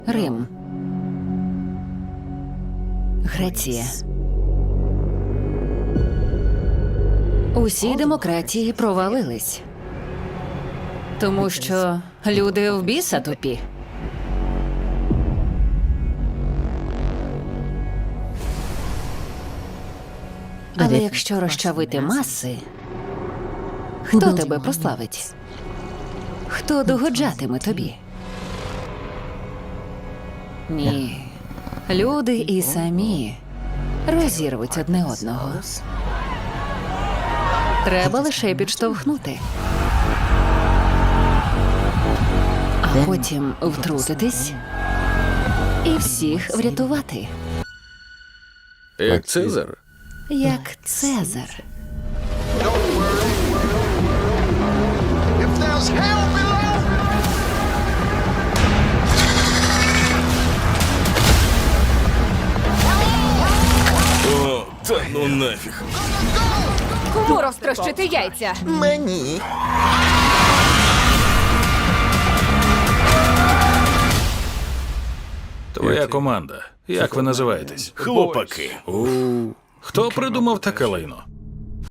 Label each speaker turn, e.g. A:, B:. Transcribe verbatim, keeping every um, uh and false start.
A: Рим. Греція. Усі демократії провалились. Тому що люди в біса тупі. Але якщо розчавити маси, хто тебе прославить? Хто догоджатиме тобі? Ні. Люди і самі розірвуть одне одного. Треба лише підштовхнути. А потім втрутитись і всіх врятувати.
B: Як Цезар?
A: Як Цезар.
C: If there's hell below,
B: О, та ну нафіг.
D: Кому розтрощити яйця?
C: мені.
B: Твоя команда. Як ви називаєтесь?
C: Хлопаки.
B: У, хто придумав таке лайно?